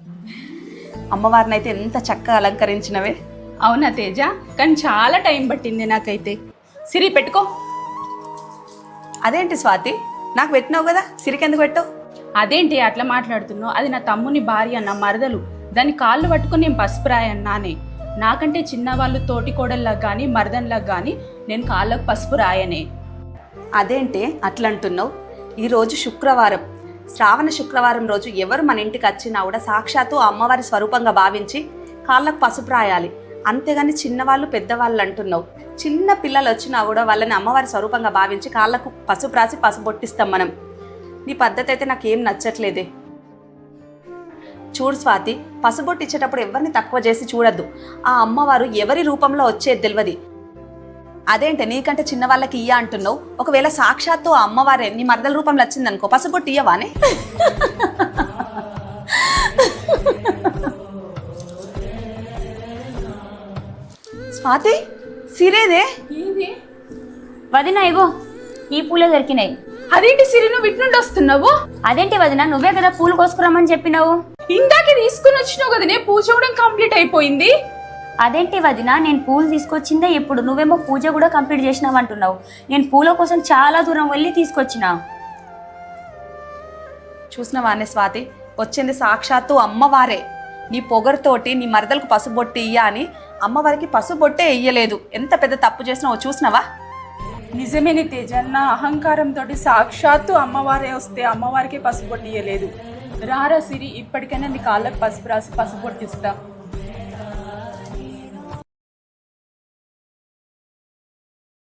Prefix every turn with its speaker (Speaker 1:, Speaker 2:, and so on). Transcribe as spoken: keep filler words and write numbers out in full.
Speaker 1: అమ్మవారిని అయితే ఎంత చక్కగా అలంకరించినవే.
Speaker 2: అవునా తేజ, కానీ చాలా టైం పట్టింది నాకైతే. సిరి పెట్టుకో.
Speaker 1: అదేంటి స్వాతి, నాకు పెట్టినావు కదా, సిరికెందుకు పెట్టావు?
Speaker 2: అదేంటి అట్లా మాట్లాడుతున్నావు? అది నా తమ్ముని భార్య, నా మరదలు. దాని కాళ్ళు పట్టుకుని నేను పసుపు రాయన్నానే. నాకంటే చిన్నవాళ్ళు తోటి కోడల్లా కానీ మరదన్లా కానీ నేను కాళ్ళకు పసుపు రాయనే.
Speaker 1: అదేంటి అట్లా అంటున్నావు? ఈరోజు శుక్రవారం, శ్రావణ శుక్రవారం రోజు ఎవరు మన ఇంటికి వచ్చినా కూడా సాక్షాత్తు అమ్మవారి స్వరూపంగా భావించి కాళ్ళకు పసుపు రాయాలి. అంతేగాని చిన్నవాళ్ళు పెద్దవాళ్ళు అంటున్నావు. చిన్న పిల్లలు వచ్చినా కూడా వాళ్ళని అమ్మవారి స్వరూపంగా భావించి కాళ్ళకు పసుపు రాసి పసుపు బొట్టిస్తాం మనం. నీ పద్ధతి అయితే నాకేం నచ్చట్లేదే. చూడు స్వాతి, పసుబొట్టు ఇచ్చేటప్పుడు ఎవరిని తక్కువ చేసి చూడద్దు. ఆ అమ్మవారు ఎవరి రూపంలో వచ్చేది తెలియదు. అదేంటి నీకంటే చిన్న వాళ్ళకి ఇయ్య అంటున్నావు? ఒకవేళ సాక్షాత్తు ఆ అమ్మవారే నీ మరదల రూపంలో వచ్చిందనుకో, పసుబొట్టు ఇయ్యవానే? స్వాతి, సిరేదే
Speaker 3: వదిన, ఇగో ఈ పూలే దొరికినాయి.
Speaker 2: అదేంటి సిరి, నువ్వు ఇటు నుండి వస్తున్నావు?
Speaker 3: అదేంటి వదిన, నువ్వే కదా పూలు కోసుకురమ్మని చెప్పినావు.
Speaker 2: ఇందాకే తీసుకుని వచ్చినావు కదనే, పూజ కూడా కంప్లీట్ అయిపోయింది.
Speaker 3: అదేంటి వదిన, నేను పూలు తీసుకొచ్చిందే ఇప్పుడు, నువ్వేమో పూజ కూడా కంప్లీట్ చేసినావు అంటున్నావు. నేను పూల కోసం చాలా దూరం వెళ్ళి తీసుకొచ్చిన.
Speaker 1: చూసినవానే స్వాతి, వచ్చింది సాక్షాత్తు అమ్మవారే. నీ పొగరుతోటి నీ మరదలకు పసుబొట్టి ఇయ్య అని అమ్మవారికి పసుబొట్టే ఇయ్యలేదు. ఎంత పెద్ద తప్పు చేసినావో చూసినావా?
Speaker 2: నిజమేని తేజ, నా అహంకారంతో సాక్షాత్తు అమ్మవారే వస్తే అమ్మవారికి పసుపు పొట్టియలేదు. రారా సిరి, ఇప్పటికైనా నీ కాళ్ళకు పసుపు రాసి పసుపు పొట్టిస్తా.